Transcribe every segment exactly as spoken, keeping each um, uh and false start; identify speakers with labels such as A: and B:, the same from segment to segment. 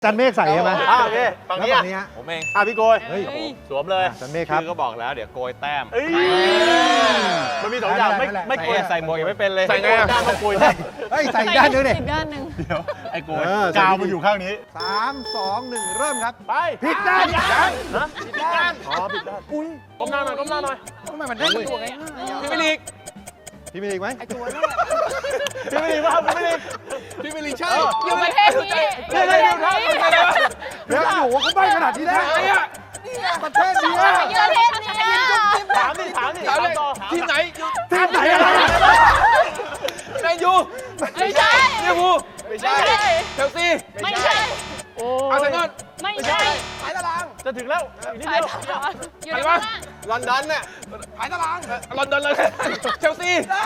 A: จันเมฆใส่ใช่ไหม
B: อ่าโอเคฝั่งนี้
A: แล้ว
B: อ่ะ
A: ฝั่งนี้ฮะ
B: ผมเองอ่ะพี่โกย
A: เฮ้ย
B: สวมเลย
A: จันเมฆครับ
C: คือก็บอกแล้วเดี๋ยวโกยแต้ม
B: เอ้ยมันมีสองอย่างไม่
A: นั่นแหละ
B: ไม่โกย
C: ใส่หมวกยังไม่เป็นเลย
B: ใส่ไงอ่ะด้านต้องโกยได้
A: เฮ้ยใส่อีกด้านหนึงดิ
D: อีกด้านหนึ่ง
B: เดี๋ยวไอ้โกย
A: เออใส่
B: กาว
A: ดีๆ
B: มันอยู่ข้างนี้
A: สามสองหนึ่งเริ่มครับ
B: ไป
A: ผิดด้าน
B: นะผิดด้านอ๋อผิดด้านอุ้ยก้มหน้าหน่อยก้มหน้าหน่อย
A: ทำไมมันได้ตัวไง
C: พี่มิลิก
A: พี่มีอีกไหม
B: พี่ไม่ดีป่ะพี่ไม่ดี
C: พี่มิลิกใช่
D: อยู่ประเทศนี้
B: เดี๋ยวเดี๋ยวเดี๋ยวเดี๋ยวเดี๋ยว
A: เดี๋ยวอยู่ว่าเขาใบ้ขนาดนี้ได้ประเทศนี้อะ
D: อยู่ประเทศนี้
B: ถามดิถามดิถามต่อ
C: ทีมไหน
A: ทีมไหนอะไร
C: แมนยู
D: ไม่ใช่
C: ลิเวอร์พูล
D: ไม่ใช่
C: เชลซี
D: ไม่ใช่
B: โอ้
C: อาร์เซนอล
D: ไม่ใช่
B: จะถึงแล้วอีกนิดเดียว
D: อยู่ในข้างล่าง
C: ลอนดอนน่ะหายตารางลอนดอนเลยเชลซี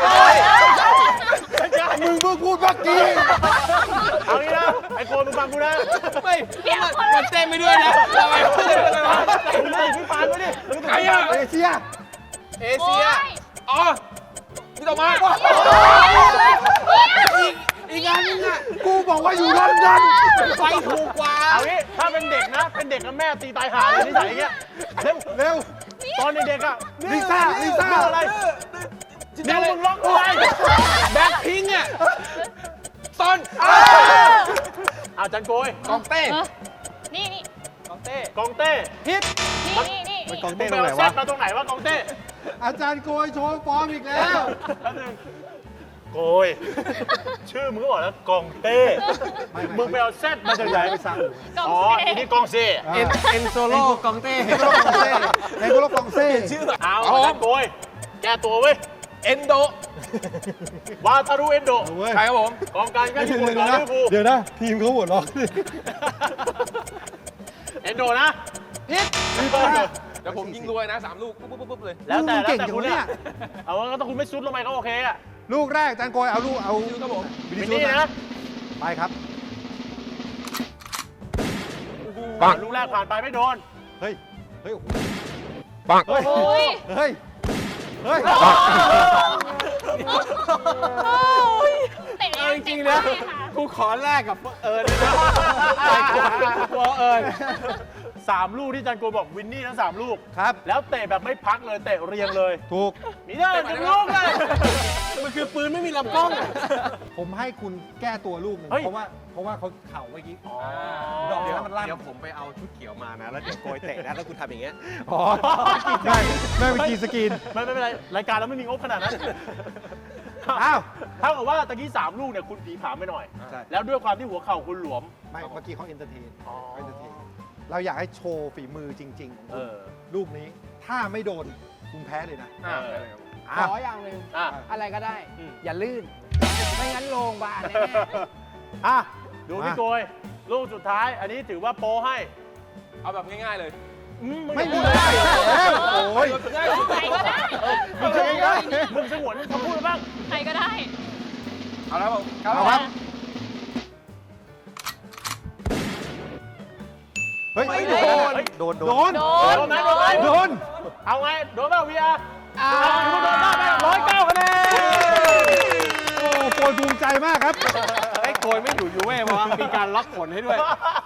A: มึงเพิ่งพูดเมื่อกี้
B: เอางี้นะไอ้โกยมึงฟังกูนะ
C: ไม่มันเต้นไปด้วยนะทำไมไม่เต้นอะไรวะ
B: ไอ้พี่ปานมาดิ
C: ใครอ่ะ
A: เอเชีย
C: เอเชียอ๋อพี่ต่อมา
A: อีกงานนึงอ่ะกูบอกว่าอยู่ลอนดอน
C: ไฟถูกกว่า
B: เอางี้ถ้าเป็นเด็กนะ เป็นเด็กกับแม่ตีตายหาเลยนิสัยอย่างเงี้ยเร็ว
A: เร็ว
B: ตอนเด็กๆอ่ะ
A: ลิซ่าลิซ่า
B: เรื่องอะไรเดี๋ยวมึงร้องอะไร
C: แบ็คพิงค์อ่ะซอน
B: อาจันโกย
C: กองเต้
D: นี่นี่
C: กองเต้
B: กองเต้
C: ฮิต
D: นี่นี่นี่
A: มันกอง
B: มึ
A: เต้
B: ง
A: ต
B: ไป
A: รงไหน
B: เอาแซ
A: วะ
B: ดมาตรงไหนวะกองเต้
A: อาจารย์โกยโชว์ฟอร์มอีกแล้ว
B: แป๊บนึงโกยชื่อมึงก็บอกแล้วกองเต้ มึงไปเอาแซดมาจากไหน
A: ไปสั่ง
D: กอง
B: อ๋อ
D: เซ่
B: อันนี้กองเซ่
C: เอ็นเอ็นโซโล่กองเต้
A: เอ็นโกลกองเซ่เอ็นโกลกองเซ่
C: ชื่อ
B: เอาอาจันโกยแก้ตัวเว้ย
C: เอนโด
B: วาทารุเอนโด
A: เว้ย
C: ใครครับผม
B: กองกลางก็
A: เดี๋
B: ญี่
A: ยว
B: ปุ่น
A: นะ
B: กับลิเวอร์พูล
A: เดี๋ยวนะทีมเขาหัวเราะ
B: เอนโดนะ
C: ฮิต
B: ลิเวอร์พูล
C: เดี๋ยวผมยิงรวยนะสามลูกปุ๊บปุ๊บปุ๊บเลย
B: แล้วแต่แล้ว
A: เก่ง
B: แต่
A: จัง
B: คุณ
A: เนี่
B: เนี่ย ยเอาว่าก็ต้องคุณไม่ซุดลงไปก็โอเคอะ
A: ลูกแรกอาจารย์โกยเอาลูกเอา
C: ยูครับผม
A: วิดี
B: วินนี่
A: โอ
B: นะ
A: ไปครับ
B: ปังลูกแรกผ่านไปไม่โดน
A: เฮ้ยเฮ้ยโอ้โห
C: ปัง
A: เฮ้ย
D: โอ้ย
A: เฮ้ยเฮ้ย
D: เตะ
C: เอาจริงๆนะกูขอแลกกับเอิญเลยนะกลัวเอิญ
B: สามลูกที่จันโกบอกวินนี่ทั้งสามลูก
A: ครับ
B: แล้วเตะแบบไม่พักเลยเตะเรียงเลย
A: ถูก
B: มีได้หนึ่งลูกเลย
C: มันคือปืนไม่มีลำกล้อง
A: ผมให้คุณแก้ตัวลูกหนึ่ง
B: เฮ้ย
A: เพราะว่าเพราะว่าเขาเข่าเมื่อกี้
B: อ๋อ
A: ดอกเดียวมันลั่น
C: เดี๋ยวผมไปเอาชุดเขียวมานะ แล้วเดี๋ยวโกยเตะนะแล้วคุณทำอย่างเงี้ย
A: อ๋อไม่ไม่เป็นกีสกรีน
B: ไม่ไม่เป็นไรรายการเราไม่มีงบขนาดนั้น
A: อ้าว
B: เท่ากับว่าตะกี้สามลูกเนี่ยคุณผีผามไปหน่อย
A: ใช่
B: แล้วด้วยความที่หัวเข่าคุณหลวม
A: ไม่เมื่อกี้เขาเอนเตอร์เทน
B: อ๋อ
A: เขาเอนเตอร์เทนเราอยากให้โชว์ฝีมือจริงๆของ
B: เอ
A: คุณ
B: อ
A: ลูกนี้ ถ้าไม่โดนคุณแพ้เลยนะ
B: อ่า
A: อ้าว
E: ขออย่างหนึ่ง
B: อ่ะ
E: อะไรก็ได้
B: อืม
E: อย่าลื่น ไม่งั้นโรงพยาบาลแน่
B: อ่ะดูพี่โกยลูกสุดท้าย อันนี้ถือว่าโปรให้
C: เอาแบบง่ายๆเลย
B: อื
A: ไม่
B: พู
A: พู
B: ด
A: ด
B: เล
A: ได้
B: ย
A: แล้วโอ้ย
C: ง่าย
D: ใครก็ได้
B: มึงจะยังไงมึงสงวนคำพูดบ้าง
D: ใครก็ได้
C: เอาแล้วผม
A: เอาครับ เฮ้ย
B: ไม่
A: โด
B: โด
A: น
B: น
A: โดน โดน
D: โดน
B: โดนไหมโดนไหม
A: โดน
B: เอาไง โดนเปล่าวีอาร์เอาถือว่าโดนได้ไหมร้อยเก้าคะแนน
A: โอ้โปรยภูมิใจมากครับ
C: ไอ้โกยไม่อยู่ยูเว่เพราะว่ามีการล็อกผลให้ด้วย